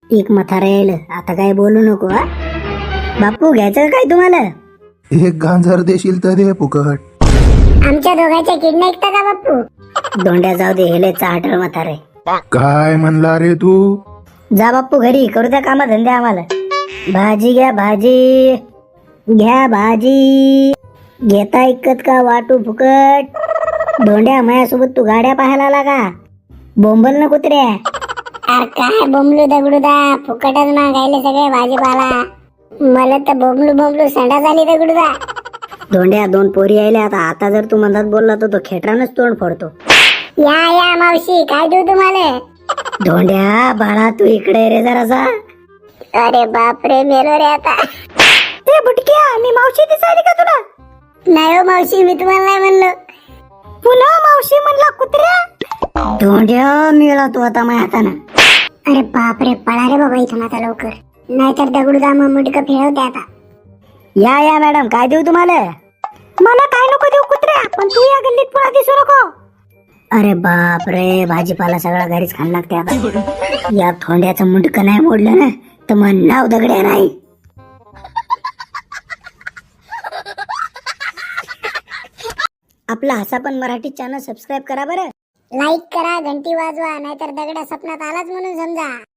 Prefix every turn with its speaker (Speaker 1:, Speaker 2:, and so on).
Speaker 1: एक म्हातारा येईल, आता काय बोलू नको हा. बापू घ्यायचं का काय तुम्हाला?
Speaker 2: एक गांजर देशील तर दे फुकट.
Speaker 3: आमच्या दोघांच्या किडनी ऐकता का बाप्पू?
Speaker 1: दोंड्या जाऊ दे, हेले चाटळ म्हातारे.
Speaker 2: काय म्हणला रे तू?
Speaker 1: जा बाप्पू घरी, करू द्या कामा धंदे आम्हाला. भाजी घ्या, भाजी घ्या, भाजी घेता ऐकत का वाटू फुकट? धोंड्या माझ्यासोबत तू गाड्या पाहायला आला का? बोंबल ना कुत्र्या.
Speaker 3: अरे काय बोंबलू दगडूदा, फुकटच मागायले सगळे भाजीपाला. मला तर बोंबलू संडा झाली दगडूदा.
Speaker 1: धोंड्या दोन पोरी यायल्या, आता जर तू मधात बोलला तर तो खेटरानच तोंड फोडतो.
Speaker 3: या मावशी, काय देऊ तुम्हाला?
Speaker 1: धोंड्या बाळा तू इकडे रे जरासा.
Speaker 3: अरे बापरे, मेलो रे आता.
Speaker 1: ते बुटक्या, मी मावशी दिसायली का तुला?
Speaker 3: नाही हो मावशी, मी तुम्हाला नाही म्हणलो.
Speaker 1: पुन्हा मावशी म्हणला कुत्र्या. धोंड्या मिळा तू आता माझ्या हातानं.
Speaker 3: अरे बापरे, पळा रे बाबा इथून आता लवकर, नाहीतर दगडूदा मग मुंडकं फिरवते आता.
Speaker 1: या मॅडम, काय देऊ तुम्हाला? मला काय नको देऊ कुत्र्या, पण तू या गल्लीत पुन्हा दिसू नको. अरे बाप रे, भाजीपाला सगळा घरीच खायला लागते आता. या थोंड्याचं मुंडकं नाही मोडलं ना तर मग नाव दगड्या नाही. आपला हसा पण मराठी चॅनल सबस्क्राईब करा बरं.
Speaker 3: लाईक करा, घंटी वाजवा, नाहीतर दगडा सपनात आलाच म्हणून समजा.